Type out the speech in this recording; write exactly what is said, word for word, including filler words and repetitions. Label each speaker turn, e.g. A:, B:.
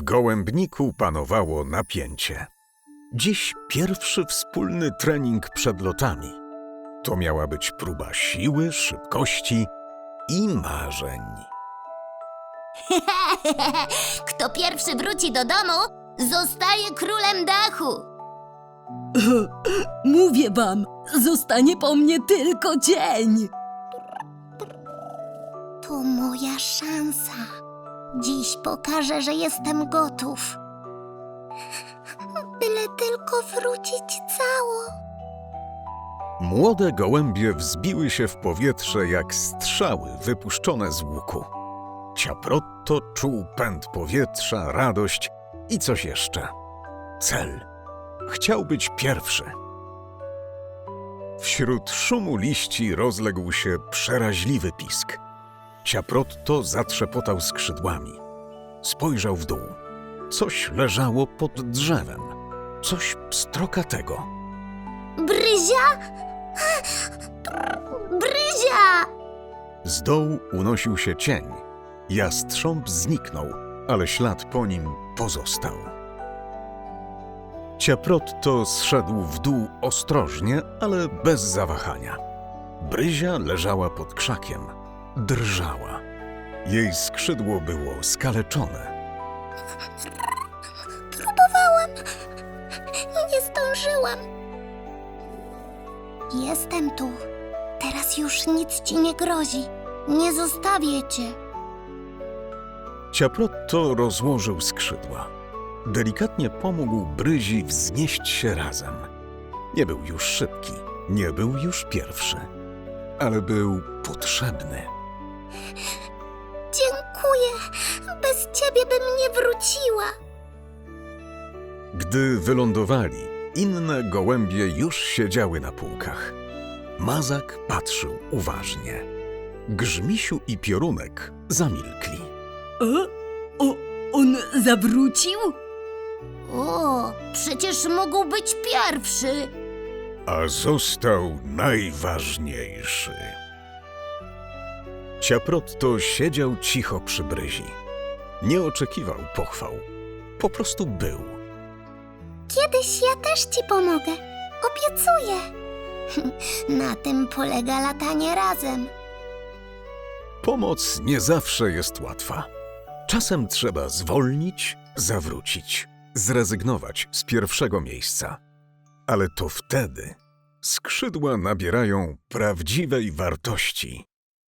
A: gołębniku panowało napięcie. Dziś pierwszy wspólny trening przed lotami. To miała być próba siły, szybkości i marzeń.
B: Kto pierwszy wróci do domu, zostaje królem dachu.
C: Mówię wam, zostanie po mnie tylko cień.
B: To moja szansa. Dziś pokażę, że jestem gotów. Byle tylko wrócić cało.
A: Młode gołębie wzbiły się w powietrze jak strzały wypuszczone z łuku. Ciaprotto czuł pęd powietrza, radość i coś jeszcze. Cel. Chciał być pierwszy. Wśród szumu liści rozległ się przeraźliwy pisk. Ciaprotto zatrzepotał skrzydłami. Spojrzał w dół. Coś leżało pod drzewem. Coś pstrokatego.
B: Bryzia? Bryzia!
A: Z dołu unosił się cień. Jastrząb zniknął, ale ślad po nim pozostał. Ciaprotto zszedł w dół ostrożnie, ale bez zawahania. Bryzia leżała pod krzakiem. Drżała. Jej skrzydło było skaleczone.
B: Próbowałam. Nie zdążyłam. Jestem tu. Teraz już nic ci nie grozi. Nie zostawię cię.
A: Ciaprotto rozłożył skrzydła. Delikatnie pomógł Bryzi wznieść się razem. Nie był już szybki, nie był już pierwszy, ale był potrzebny.
B: Dziękuję. Bez ciebie bym nie wróciła.
A: Gdy wylądowali, inne gołębie już siedziały na półkach. Mazak patrzył uważnie. Grzmisiu i Piorunek zamilkli.
C: O, o, on zawrócił?
B: O, przecież mógł być pierwszy.
A: A został najważniejszy. Ciaprotto siedział cicho przy Bryzi. Nie oczekiwał pochwał. Po prostu był.
B: Kiedyś ja też ci pomogę. Obiecuję. Na tym polega latanie razem.
A: Pomoc nie zawsze jest łatwa. Czasem trzeba zwolnić, zawrócić, zrezygnować z pierwszego miejsca. Ale to wtedy skrzydła nabierają prawdziwej wartości.